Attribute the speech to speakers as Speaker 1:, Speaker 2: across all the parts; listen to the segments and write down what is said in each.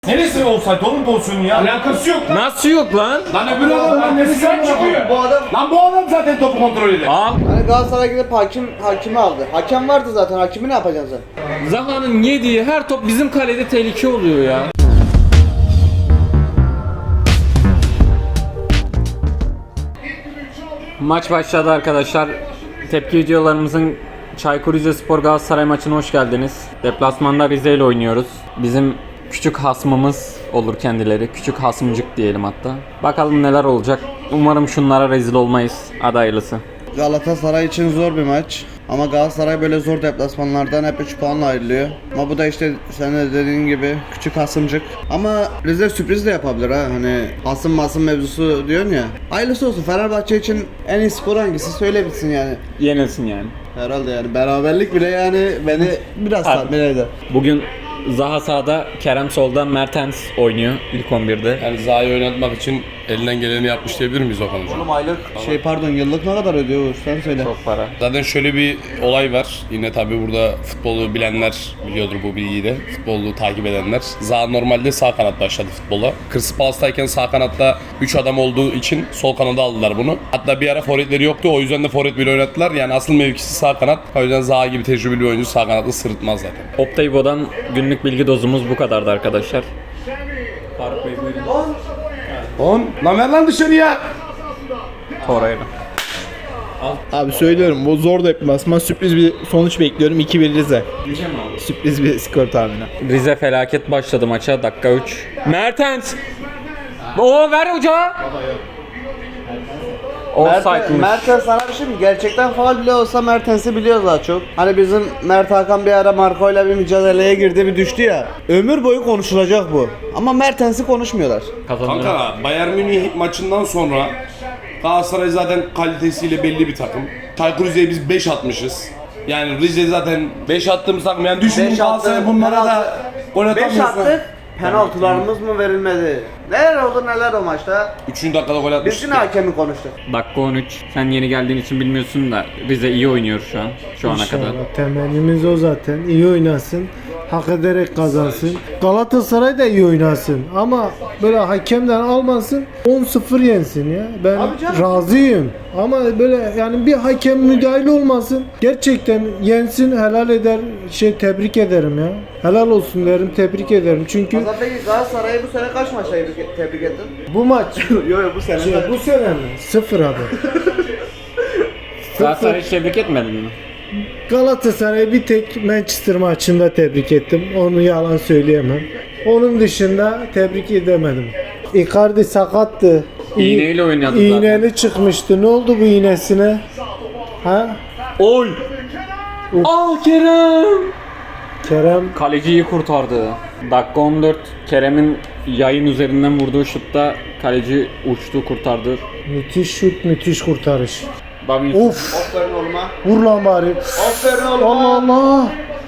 Speaker 1: Neresi olsaydı onun pozisyonu ya?
Speaker 2: Alakası yok lan.
Speaker 3: Nasıl yok lan?
Speaker 2: Lan öbür adam neresi sen çıkıyor?
Speaker 4: Bu adam
Speaker 2: Lan bu adam zaten topu kontrol eder.
Speaker 3: Al.
Speaker 4: hani Galatasaray gidip hakimi aldı. Hakem vardı zaten. Hakimi ne yapacaksın sen?
Speaker 3: Zaha'nın yediği her top bizim kalede tehlike oluyor ya. Maç başladı arkadaşlar. Tepki videolarımızın Çaykur Rizespor Galatasaray maçına hoş geldiniz. Deplasmanda Rize ile oynuyoruz. Bizim küçük hasmımız olur kendileri. Küçük hasmıcık diyelim hatta. Bakalım neler olacak. Umarım şunlara rezil olmayız. Hadi hayırlısı.
Speaker 4: Galatasaray için zor bir maç. Ama Galatasaray böyle zor deplasmanlardan hep 3 puanla ayrılıyor. Ama bu da işte sen de dediğin gibi küçük hasımcık. Ama Rize sürpriz de yapabilir ha. Hani hasım mevzusu diyorsun ya. Hayırlısı olsun. Fenerbahçe için en iyi skor hangisi söyle bitsin yani.
Speaker 3: Yenilsin yani.
Speaker 4: Herhalde yani beraberlik bile yani beni biraz tatmin eder.
Speaker 3: Bugün Zaha sağda, Kerem solda, Mertens oynuyor ilk 11'de.
Speaker 5: Yani Zaha'yı oynatmak için elinden geleni yapmış diyebilir miyiz Okan Hoca?
Speaker 4: Oğlum aylık yıllık ne kadar ödüyor Uğur? Sen söyle.
Speaker 3: Çok para.
Speaker 5: Zaten şöyle bir olay var. Yine tabii burada futbolu bilenler biliyordur bu bilgiyi de. Futbolu takip edenler. Zaha normalde sağ kanat başladı futbola. Crystal Palace'tayken sağ kanatta 3 adam olduğu için sol kanada aldılar bunu. Hatta bir ara forvetleri yoktu. O yüzden de forvet bile oynattılar. Yani asıl mevkisi sağ kanat. O yüzden Zaha gibi tecrübeli bir oyuncu sağ kanatı sırıtmaz zaten.
Speaker 3: Optaybo'dan günlük bilgi dozumuz bu kadardı arkadaşlar. Faruk Bey buyurun.
Speaker 2: 10. Lan ver lan dışarıya.
Speaker 3: Torreira.
Speaker 6: Abi söylüyorum bu zor deplasman, sürpriz bir sonuç bekliyorum. 2-1 Rize. Sürpriz bir skor tahmini.
Speaker 3: Rize felaket başladı maça. Dakika 3. Mertens. Oo ver hoca. Offside'mış.
Speaker 4: Mertens sana bir şey mi? Gerçekten faul bile olsa Mertens'i biliyoruz daha çok. Hani bizim Mert Hakan bir ara Marco'yla bir mücadeleye girdi, bir düştü ya. Ömür boyu konuşulacak bu. Ama Mertens'i konuşmuyorlar.
Speaker 3: Kazanıyor.
Speaker 5: Kanka Bayern Münih maçından sonra Galatasaray zaten kalitesiyle belli bir takım. Çaykur Rize'ye biz 5 atmışız. Yani Rize zaten 5 attığımız takım. Yani düşünün
Speaker 4: Beş
Speaker 5: Galatasaray
Speaker 4: attı,
Speaker 5: bunlara da gol
Speaker 4: 5
Speaker 5: atamıyorsun.
Speaker 4: attık. Penaltılarımız mı verilmedi? Neler oldu neler o maçta?
Speaker 5: 3. dakikada gol
Speaker 4: Biz
Speaker 5: atmıştık.
Speaker 4: yine hakemi konuştuk.
Speaker 3: Dakika 13. Sen yeni geldiğin için bilmiyorsun da Rize iyi oynuyor şu an. Şu ana kadar.
Speaker 7: İnşallah. Temennimiz o zaten. İyi oynasın. Hak ederek kazansın. Galatasaray da iyi oynasın. Ama böyle hakemden almasın. 10-0 yensin ya. Ben
Speaker 4: Abi canım.
Speaker 7: razıyım. Ama böyle yani bir hakem müdahil olmasın. Gerçekten yensin, helal eder. Tebrik ederim ya. Helal olsun derim, tebrik ederim. Çünkü
Speaker 4: Hasan peki Galatasaray'ı bu sene kaç maçta tebrik ettin?
Speaker 7: bu maç
Speaker 4: Yok bu sene.
Speaker 7: bu sene mi? 0 abi.
Speaker 3: Galatasaray'ı tebrik etmedin mi?
Speaker 7: Galatasaray'ı bir tek Manchester maçında tebrik ettim. Onu yalan söyleyemem. Onun dışında tebrik edemedim. Icardi sakattı.
Speaker 3: İğneyle oynadı zaten.
Speaker 7: İğneli çıkmıştı. Ne oldu bu iğnesine? Ha?
Speaker 3: Oy! Ah Kerem!
Speaker 7: Kerem
Speaker 3: Kaleciyi kurtardı. Dakika 14. Kerem'in yayın üzerinden vurduğu şutta kaleci uçtu kurtardı.
Speaker 7: müthiş şut, müthiş kurtarış.
Speaker 3: Davinson.
Speaker 7: Uf!
Speaker 4: Aferin oğluma.
Speaker 7: Vur lan bari.
Speaker 4: Aferin oğluma.
Speaker 7: Allah Allah!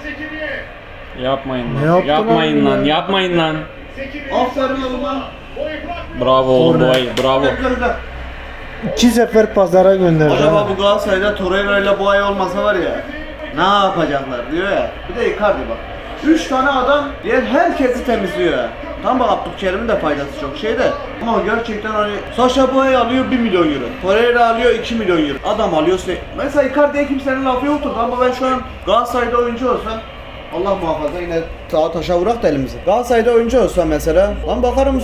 Speaker 3: Yapmayın
Speaker 7: Ne
Speaker 3: lan.
Speaker 7: yaptı
Speaker 3: Yapmayın
Speaker 7: lan
Speaker 3: lan.
Speaker 7: ya?
Speaker 3: Yapmayın lan.
Speaker 4: Aferin oğluma.
Speaker 3: Bravo oğlum
Speaker 7: Korner.
Speaker 3: boy. Bravo.
Speaker 7: 2 sefer pazara gönderdi.
Speaker 4: Acaba
Speaker 7: ha.
Speaker 4: bu Galatasaray'da Torreira ile bu ay olmasa var ya, ne yapacaklar diyor ya. Bir de Icardi bak. 3 tane adam diğer herkesi temizliyor ya. Tam bak Abdülkerim'in de faydası çok şeyde. Ama gerçekten hani Sacha Boey alıyor 1 milyon euro. Torreira alıyor 2 milyon euro. Adam alıyor mesela Icardi'ye kimsenin lafı yoktur ama ben şu an Galatasaray'da oyuncu olsam Allah muhafaza yine sağa taşa vurak da elimizi. Galatasaray'da oyuncu olsam mesela lan bakarım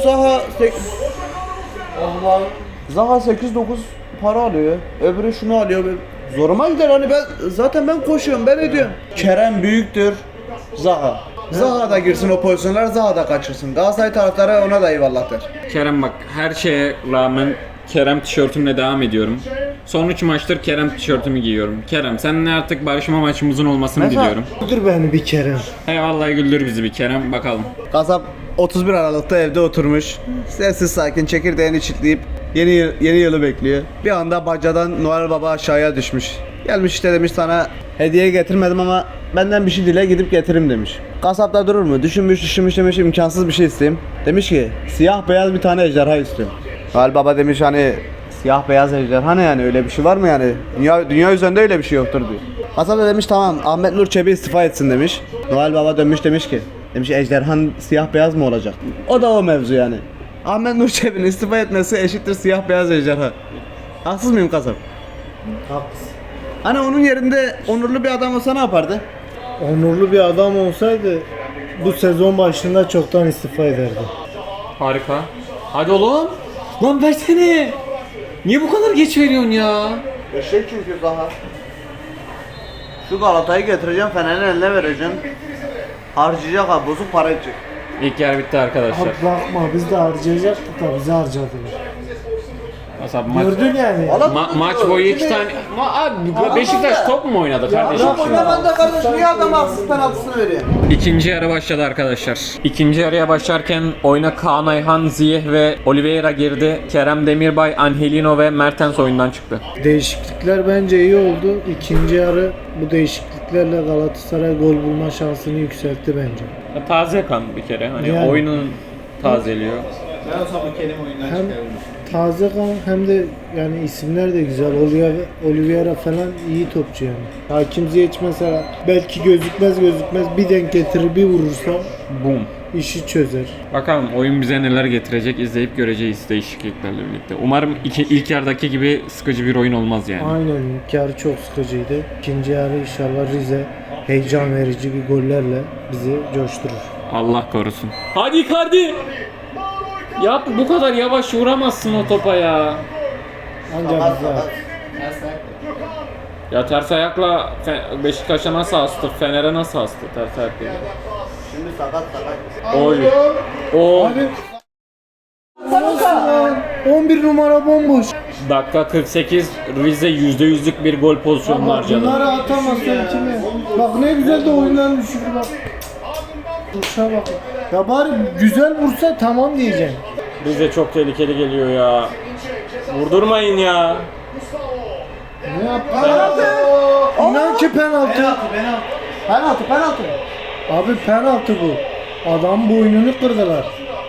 Speaker 4: Zaha 8-9 para alıyor. Öbürü şunu alıyor. Zoruma gider hani ben koşuyorum ben ediyorum. Kerem büyüktür. Zaha. Zaha da girsin o pozisyonlar, Zaha da kaçırsın. Galatasaray taraftarı ona da eyvallah der.
Speaker 3: Kerem bak her şeye rağmen Kerem tişörtümle devam ediyorum. Son 3 maçtır Kerem tişörtümü giyiyorum. Kerem seninle artık barışma maçımızın olmasını diliyorum.
Speaker 7: Dur beni bir Kerem.
Speaker 3: Hey vallahi güldür bizi bir Kerem bakalım.
Speaker 4: Kasap 31 Aralık'ta evde oturmuş. Sessiz sakin çekirdeğini çitleyip yeni yılı bekliyor. Bir anda bacadan Noel Baba aşağıya düşmüş. Gelmiş işte demiş sana hediye getirmedim ama benden bir şey dile gidip getiririm demiş. Kasap da durur mu? Düşünmüş demiş imkansız bir şey isteyeyim. Demiş ki siyah beyaz bir tane ejderha istiyorum. Noel Baba demiş hani siyah beyaz ejderha ne yani öyle bir şey var mı yani? Dünya üzerinde öyle bir şey yoktur diyor. Kasap da demiş tamam Ahmet Nur Çebi istifa etsin demiş. Noel Baba dönmüş demiş ki Demiş ejderhan siyah beyaz mı olacak? O da o mevzu yani. Ahmet Nur Çebi'nin istifa etmesi eşittir siyah beyaz ejderha. Haksız mıyım kasap?
Speaker 7: Haklısın.
Speaker 4: Hani onun yerinde onurlu bir adam olsa ne yapardı?
Speaker 7: Onurlu bir adam olsaydı bu sezon başında çoktan istifa ederdi.
Speaker 3: Harika. Hadi oğlum. Lan versene. Niye bu kadar geç veriyorsun ya?
Speaker 4: Eşek çünkü daha. Şu Galata'yı getireceğim, Fener'in eline vereceğim. Harcayacak abi, bozuk para edecek.
Speaker 3: İlk yer bitti arkadaşlar.
Speaker 7: Abi bakma biz de harcayacaktık da bizi harcadılar.
Speaker 3: Mesela maç,
Speaker 7: Gördün yani.
Speaker 3: maç boyu iki tane... Abi Beşiktaş top mu oynadı kardeşim?
Speaker 7: bırak
Speaker 3: şimdi?
Speaker 4: Ben de kardeşim niye adam haksız penaltısını veriyor?
Speaker 3: İkinci yarı başladı arkadaşlar. İkinci yarıya başlarken oyuna Kaan Ayhan, Ziyeh ve Oliveira girdi. Kerem Demirbay, Angelino ve Mertens oyundan çıktı.
Speaker 7: Değişiklikler bence iyi oldu. İkinci yarı bu değişikliklerle Galatasaray gol bulma şansını yükseltti bence.
Speaker 3: Taze kan bir kere. Hani
Speaker 7: Yani.
Speaker 3: oyunun tazeliyor.
Speaker 7: Hem taze kan hem de yani isimler de güzel. Oliveira falan iyi topçu yani. Hakim Ziyech mesela belki gözükmez bir denk getirir bir vurursa
Speaker 3: Boom.
Speaker 7: işi çözer.
Speaker 3: Bakalım oyun bize neler getirecek izleyip göreceğiz değişikliklerle birlikte. Umarım ilk yarıdaki gibi sıkıcı bir oyun olmaz yani.
Speaker 7: Aynen ilk yarı çok sıkıcıydı. İkinci yarı inşallah Rize heyecan verici bir gollerle bizi coşturur.
Speaker 3: Allah korusun. Hadi Icardi! Ya bu kadar yavaş vuramazsın o topa ya.
Speaker 7: Ancak bize
Speaker 3: Ya ters ayakla Beşiktaş'a nasıl astı? Fener'e nasıl astı ters ayakla?
Speaker 4: Şimdi sakat.
Speaker 3: Oy. O
Speaker 7: Abi 11 numara bomboş.
Speaker 3: dakika 48 Rize %100'lük bir gol pozisyonu harcadı.
Speaker 7: Bunları atamazsa kimi? Bak ne güzel de oyundan düşürdü bak. Vuruşa bak. Ya bari güzel vursa tamam diyeceğim.
Speaker 3: Rize çok tehlikeli geliyor ya. Vurdurmayın ya.
Speaker 7: Ne yaptı? İnan ki penaltı.
Speaker 4: Penaltı.
Speaker 7: Abi penaltı bu. Adam boynunu kırdılar.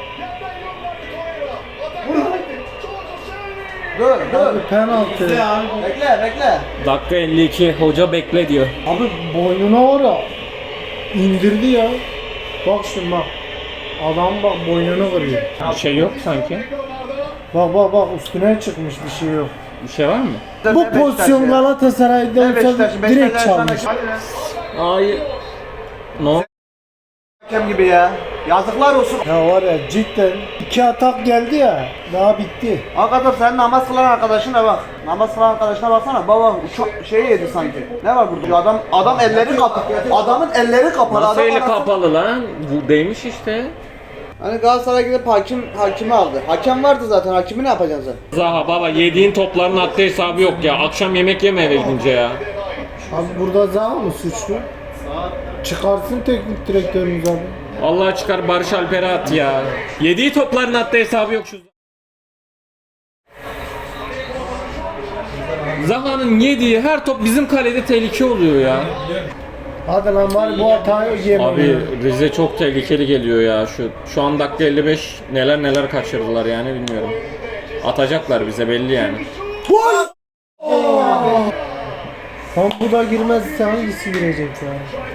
Speaker 4: Dur.
Speaker 7: Abi penaltı.
Speaker 4: Bekle.
Speaker 3: Dakika 52 hoca bekle diyor.
Speaker 7: Abi boynuna var ya. İndirdi ya. Bak şimdi bak. Adam bak boynunu kırıyor.
Speaker 3: Bir şey yok sanki.
Speaker 7: Bak üstüne çıkmış bir şey yok.
Speaker 3: Bir şey var mı?
Speaker 7: Bu pozisyon Galatasaray'da olsa direkt çalmış.
Speaker 3: Ay. No.
Speaker 4: Hakem gibi ya. Yazıklar olsun.
Speaker 7: Ya var ya cidden 2 atak geldi ya daha bitti.
Speaker 4: Hakikaten sen namaz kılan arkadaşına bak. Namaz kılan arkadaşına baksana. Baba uçak şey yedi sanki. Ne var burada? Adam elleri kapalı. Adamın elleri kapalı.
Speaker 3: Nasıl
Speaker 4: Adam
Speaker 3: eli
Speaker 4: arasında-
Speaker 3: kapalı lan? Bu değmiş işte.
Speaker 4: Hani Galatasaray gidip hakimi aldı. Hakem vardı zaten. Hakimi ne yapacaksın sen?
Speaker 3: Zaha baba yediğin topların haddi hesabı yok ya. Akşam yemek yeme eve gidince ya.
Speaker 7: Abi burada Zaha mı suçlu? Çıkarsın teknik direktörümüz abi.
Speaker 3: Vallahi çıkar Barış Alper'e at ya. Yediği topların haddi hesabı yok şu. Zaha'nın yediği her top bizim kalede tehlike oluyor ya.
Speaker 7: Hadi lan bari bu hatayı yeme.
Speaker 3: Abi Rize çok tehlikeli geliyor ya. Şu an dakika 55 neler kaçırdılar yani bilmiyorum. Atacaklar bize belli yani.
Speaker 7: Tam bu da girmezse hangisi girecek ya?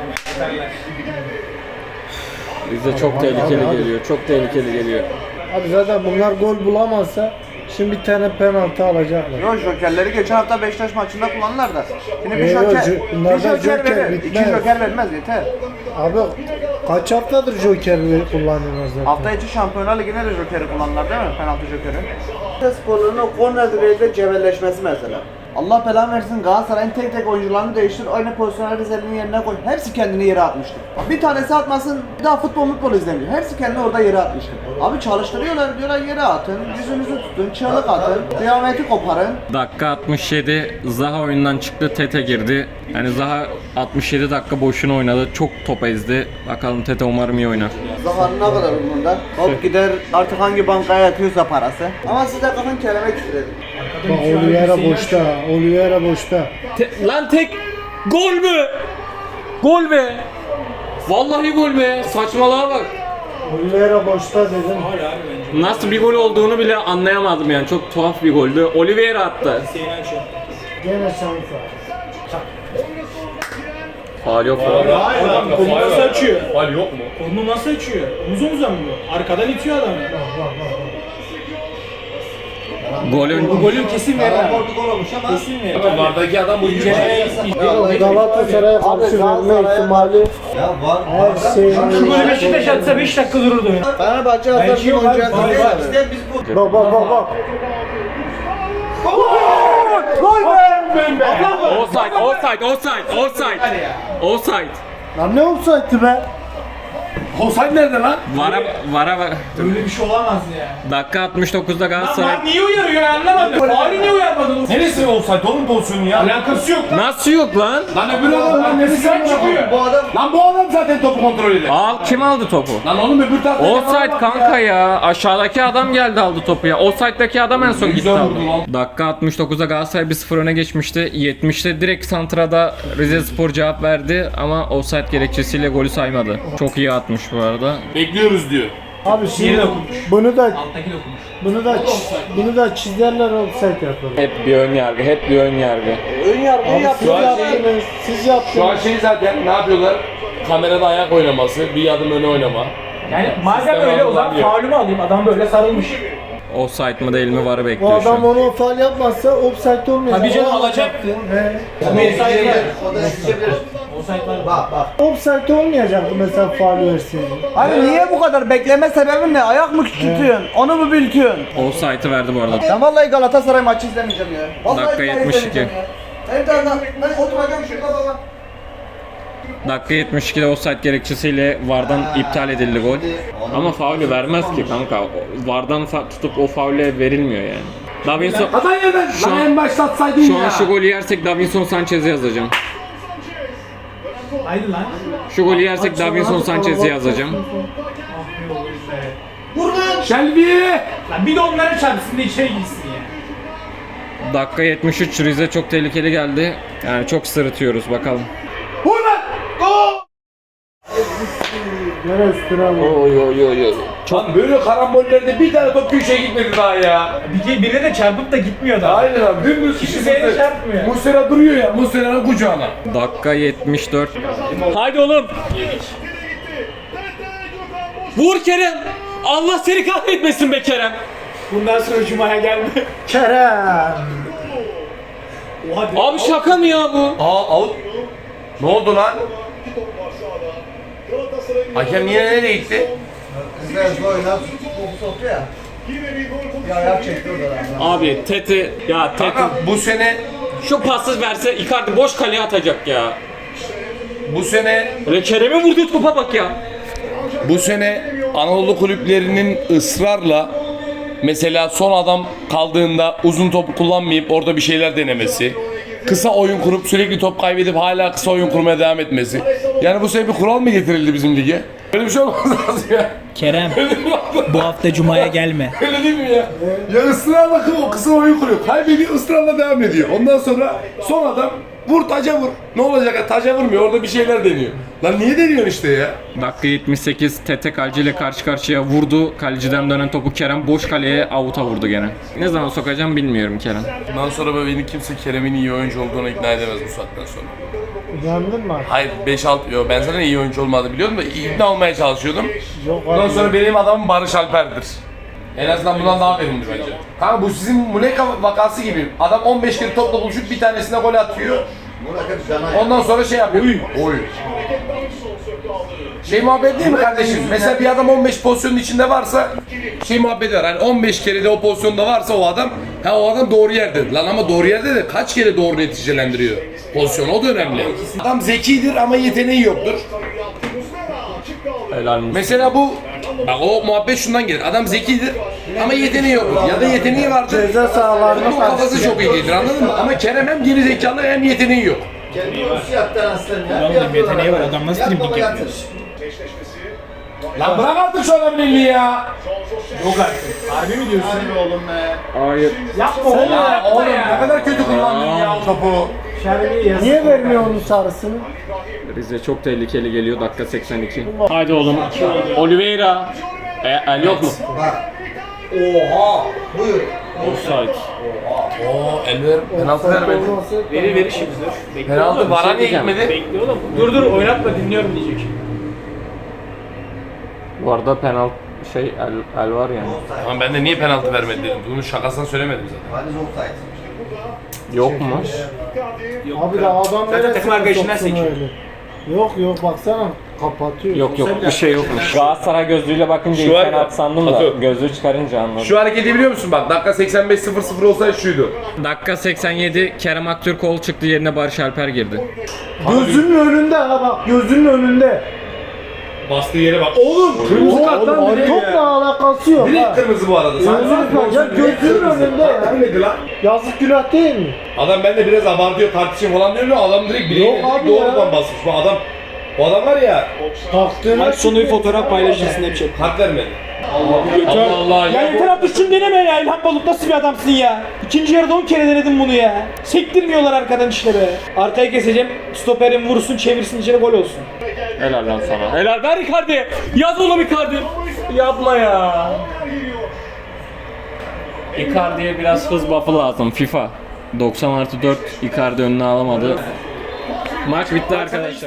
Speaker 3: Rize çok tehlikeli geliyor. Çok tehlikeli geliyor.
Speaker 7: Abi zaten bunlar gol bulamazsa şimdi bir tane penaltı alacaklar.
Speaker 4: Yok jokerleri geçen hafta Beşiktaş maçında kullanırlar da. Şimdi bir
Speaker 7: Yok,
Speaker 4: joker,
Speaker 7: bunlardan
Speaker 4: bir joker
Speaker 7: joker
Speaker 4: verir. İki
Speaker 7: bitmez.
Speaker 4: joker vermez yeter.
Speaker 7: Abi kaç haftadır Joker kullanıyorlar zaten.
Speaker 4: Hafta içi Şampiyonlar Ligi'ne de jokeri kullanırlar değil mi? Penaltı jokeri. Sporlarının o korner direğinde cebelleşmesi mesela. Allah belanı versin Galatasaray'ın tek oyuncularını değiştir, aynı pozisyonları Rize'nin yerine koy. Hepsi kendini yere atmıştı. Bir tanesi atmasın, bir daha futbol izlemiyor. Hepsi kendini orada yere atmıştı. Abi çalıştırıyorlar, diyorlar yere atın, yüzünüzü tutun, çığlık atın, kıyameti koparın.
Speaker 3: Dakika 67 Zaha oyundan çıktı, Tete girdi. Yani Zaha 67 dakika boşuna oynadı. Çok top ezdi. Bakalım Tete umarım iyi oynar.
Speaker 4: Zaha'nın ne kadar umurunda? Hop gider artık hangi bankaya yatıyorsa parası. Ama size kalkın kelime küfür edin.
Speaker 7: Bak Oliveira boşta.
Speaker 3: Lan tek gol mü? Gol be. Vallahi gol be. Saçmalığa bak.
Speaker 7: Oliveira boşta dedim.
Speaker 3: Nasıl bir gol olduğunu bile anlayamadım yani. Çok tuhaf bir goldü. Oliveira attı.
Speaker 7: Gene şans var.
Speaker 3: Faul yok.
Speaker 8: Kolunu nasıl açıyor?
Speaker 1: Faul yok mu?
Speaker 8: Kolunu nasıl açıyor? Omuz omuza mı bu? Arkadan itiyor adamı.
Speaker 3: Golün
Speaker 8: Bu golü kesin verir. Kesin verir.
Speaker 1: Bunlardaki adam bu
Speaker 7: Galatasaray'a karşı verme ihtimali her şey.
Speaker 8: Şu golü Beşiktaş atsa 5 dakika dururdu oyun.
Speaker 4: Fenerbahçe hazır bir oyuncu yazdı. İşte biz bu.
Speaker 7: Bak.
Speaker 3: Offside.
Speaker 7: Lan ne olsaydı be?
Speaker 2: Offside nerede lan?
Speaker 3: Vara.
Speaker 8: Böyle bir şey olamaz ya.
Speaker 3: Dakika 69'da Galatasaray.
Speaker 8: Lan niye uyarıyor ben anlamadım. Faulü niye uyarmadın?
Speaker 1: Neresi offside oğlum pozisyonu ya?
Speaker 8: Alakası yok.
Speaker 3: Nasıl yok lan?
Speaker 2: Lan öbür adam lan neresi
Speaker 8: Sen çıkıyor.
Speaker 4: Bu adam
Speaker 2: Lan bu adam zaten topu kontrol eder.
Speaker 3: Al kim aldı topu?
Speaker 2: Lan oğlum öbür tarafta.
Speaker 3: Offside kanka ya. Aşağıdaki adam geldi aldı topu ya. Offside'daki adam en son gitti
Speaker 2: Güzel
Speaker 3: aldı.
Speaker 2: vurdu lan.
Speaker 3: Dakika 69'da Galatasaray 1-0 öne geçmişti. 70'te direkt santrada Rizespor cevap verdi ama offside gerekçesiyle golü saymadı. Çok iyi atmış bu arada.
Speaker 2: Bekliyoruz diyor.
Speaker 7: Abi şimdi
Speaker 8: Yeri dokunmuş.
Speaker 7: bunu da
Speaker 8: Alttaki dokunmuş.
Speaker 7: bunu da çizerler offside yapalım.
Speaker 3: Hep bir ön yargı, hep bir ön yargı.
Speaker 4: ön yargıyı
Speaker 7: Abi siz yaptınız, siz yaptınız.
Speaker 5: Şu an şey zaten ne yapıyorlar? Kamerada ayak oynaması, bir adım öne oynama.
Speaker 8: Yani madem öyle o zaman faulümü alayım. Adam böyle sarılmış.
Speaker 3: Offside mı değil mi varı
Speaker 7: Bu
Speaker 3: bekliyor şu
Speaker 7: adam
Speaker 3: an.
Speaker 7: onu faul yapmazsa offside olmayacak.
Speaker 8: Tabii canım
Speaker 7: O
Speaker 8: alacaktı.
Speaker 7: He.
Speaker 8: Offside var.
Speaker 4: O da düşebilir.
Speaker 8: Offside var.
Speaker 4: Bak.
Speaker 7: Offside olmayacaktı mesela faul verseydi.
Speaker 4: Abi niye bu kadar bekleme sebebin ne? Ayak mı küçültüyorsun? Onu mu büyütüyorsun?
Speaker 3: Offside'ı verdi bu arada.
Speaker 4: Ben vallahi Galatasaray maçı izlemeyeceğim ya. Vallahi
Speaker 3: Dakika
Speaker 4: billahi
Speaker 3: 72.
Speaker 4: izlemeyeceğim ya. Ben oturacağım şurada baba.
Speaker 3: Dakika 72'de offside gerekçesiyle VAR'dan iptal edildi gol. Ama faulü vermez ki kanka. VAR'dan tutup o faule verilmiyor yani. Davinson
Speaker 2: Hatan yerden.
Speaker 3: Şu
Speaker 2: Lan
Speaker 3: an-
Speaker 2: en başlatsaydın
Speaker 3: şu
Speaker 2: ya.
Speaker 3: an şu golü yersek Davinson Sanchez'i yazacağım.
Speaker 8: Haydi lan.
Speaker 3: Şu golü yersek Davinson Sanchez'i yazacağım.
Speaker 2: Shelby.
Speaker 8: Lan bir de onlara çarpsın da içeri girsin ya.
Speaker 3: Dakika 73 Rize çok tehlikeli geldi. Yani çok sırıtıyoruz bakalım.
Speaker 2: Vur lan.
Speaker 7: Nereye üstüne alın?
Speaker 2: Lan böyle karambollerde bir tane top köşeye gitmedi daha ya.
Speaker 8: Birine de çarpıp da gitmiyor da.
Speaker 2: Aynen abi. Dümdüz
Speaker 8: Kimseye çarpmıyor.
Speaker 2: Muslera duruyor ya. Muslera'nın kucağına.
Speaker 3: Dakika 74. Haydi oğlum. Vur Kerem. Allah seni kahretmesin be Kerem.
Speaker 8: Bundan sonra Cuma'ya gelme.
Speaker 7: Kerem.
Speaker 8: Oha
Speaker 3: Abi şaka mı ya bu?
Speaker 1: Out. Ne oldu lan? Hakem yine nereye gitti?
Speaker 4: Bizler oynar. Topu soktu ya. Bir ayak çekti orada.
Speaker 3: Abi Tete ya Tete
Speaker 1: Kanka bu sene
Speaker 3: şu pası verse Icardi boş kaleye atacak ya.
Speaker 1: bu sene
Speaker 3: Öyle Kerem'e vurduğu topa bak ya.
Speaker 5: Bu sene Anadolu kulüplerinin ısrarla mesela son adam kaldığında uzun topu kullanmayıp orada bir şeyler denemesi, kısa oyun kurup sürekli top kaybedip hala kısa oyun kurmaya devam etmesi. Yani bu sene bir kural mı getirildi bizim lige? Böyle bir şey olmaz lazım ya.
Speaker 9: Kerem, bu hafta Cuma'ya gelme.
Speaker 2: Öyle değil mi ya? Ya ısrarla o kısa oyun kuruyor. Kaybediyor ısrarla devam ediyor. Ondan sonra son adam vur taca vur. Ne olacak ya? Taca vurmuyor. Orada bir şeyler deniyor. Lan niye deniyorsun işte ya?
Speaker 3: Dakika 78 Tete kaleciyle karşı karşıya vurdu. Kaleciden dönen topu Kerem boş kaleye avuta vurdu gene. Ne zaman sokacağım bilmiyorum Kerem.
Speaker 5: Bundan sonra beni kimse Kerem'in iyi oyuncu olduğuna ikna edemez bu saatten sonra.
Speaker 7: Yandın mı?
Speaker 5: Hayır 5-6 yo ben zaten iyi oyuncu olmadığını biliyordum da ikna olmaya çalışıyordum.
Speaker 7: Yok
Speaker 5: Bundan
Speaker 7: abi.
Speaker 5: sonra benim adamım Barış Alper'dir. En azından bundan daha verimli bence.
Speaker 2: Kanka bu sizin Muleka vakası gibi. Adam 15 kere topla buluşup bir tanesine gol atıyor. Ondan sonra şey yapıyor. Oy. Şey muhabbet değil mi kardeşim? Mesela bir adam 15 pozisyonun içinde varsa
Speaker 5: Şey muhabbeti var hani 15 kere de o pozisyonda varsa o adam doğru yerde. Lan ama doğru yerde de kaç kere doğru neticelendiriyor pozisyonu o da önemli.
Speaker 2: adam zekidir ama yeteneği yoktur.
Speaker 3: Helal olsun.
Speaker 5: Mesela bu bak o muhabbet şundan gelir. Adam zekidir ama yeteneği yoktur. Ya da yeteneği vardır.
Speaker 7: Ceza sahalarına
Speaker 5: Bu kafası çok iyi değildir anladın mı? Ama Kerem hem geri zekalı hem yeteneği yok.
Speaker 9: Oğlum yeteneği var, adam nasıl dribbling yapıyor?
Speaker 2: Lan bırak artık şu adamın elini ya.
Speaker 8: Yok artık. Harbi mi diyorsun?
Speaker 3: Hayır.
Speaker 8: Yapma oğlum
Speaker 2: Ya
Speaker 8: yapma
Speaker 2: oğlum
Speaker 8: ya.
Speaker 2: ne kadar kötü kullandın ya o topu.
Speaker 7: Niye vermiyor onun sarısını?
Speaker 3: Rize çok tehlikeli geliyor dakika 82. Haydi oğlum. Oliveira. El yok mu?
Speaker 4: Oha! Buyur.
Speaker 3: Offside.
Speaker 1: Oo Elver penaltı vermedi.
Speaker 8: Verir şimdi dur. Bekle
Speaker 1: Penaltı
Speaker 8: oğlum.
Speaker 1: vara niye
Speaker 3: diyeceğim.
Speaker 1: gitmedi?
Speaker 8: Bekle oğlum. Dur oynatma dinliyorum diyecek.
Speaker 3: Bu arada penaltı el var yani.
Speaker 1: Ama ben de niye penaltı vermedi dedim. Bunun şakasını söylemedim zaten.
Speaker 3: Yok mu?
Speaker 7: Abi de adam
Speaker 8: Zaten takım arkadaşından
Speaker 7: soksun
Speaker 8: sekiyor.
Speaker 7: öyle. Yok baksana kapatıyor.
Speaker 3: Yok bir şey yokmuş. Galatasaray gözlüğüyle bakınca
Speaker 2: Şu
Speaker 3: ilk
Speaker 2: var ya,
Speaker 3: penaltı sandım da
Speaker 2: Atıyorum.
Speaker 3: gözlüğü çıkarınca anladım.
Speaker 2: Şu hareketi biliyor musun bak dakika 85-0-0 olsaydı şuydu.
Speaker 3: Dakika 87 Kerem Aktürkoğlu çıktı yerine Barış Alper girdi.
Speaker 7: Gözünün önünde ha bak gözünün önünde.
Speaker 2: Bastığı yere bak. Oğlum kırmızı karttan
Speaker 7: Oğlum,
Speaker 2: direkt
Speaker 7: topla
Speaker 2: ya.
Speaker 7: alakası yok
Speaker 2: Direkt
Speaker 7: ha.
Speaker 2: kırmızı bu arada. Sen
Speaker 7: Ya gözünün önünde ya.
Speaker 2: Neydi lan?
Speaker 7: Yazık günah değil mi?
Speaker 2: Adam ben de biraz abartıyor tartışayım falan diyor da adam direkt bileğine
Speaker 7: Yok abi
Speaker 2: doğrudan
Speaker 7: ya.
Speaker 2: basmış. Bu adam var ya
Speaker 7: Taktığına
Speaker 9: Maç sonu bir fotoğraf paylaşırsın hep şey.
Speaker 2: kart vermedi.
Speaker 3: Allah Allah
Speaker 8: Ya yeter artık şunu deneme ya. İlhan Balut nasıl bir adamsın ya? İkinci yarıda 10 kere denedim bunu ya. Sektirmiyorlar arkadan işte be. Arkaya keseceğim. Stoperin vursun çevirsin içeri gol olsun.
Speaker 3: Helal lan sana. Helal ver Icardi. Yaz oğlum Icardi. Yapma ya. Icardi'ye biraz hız buff'ı lazım FIFA. 90+4 Icardi önüne alamadı. Maç bitti arkadaşlar.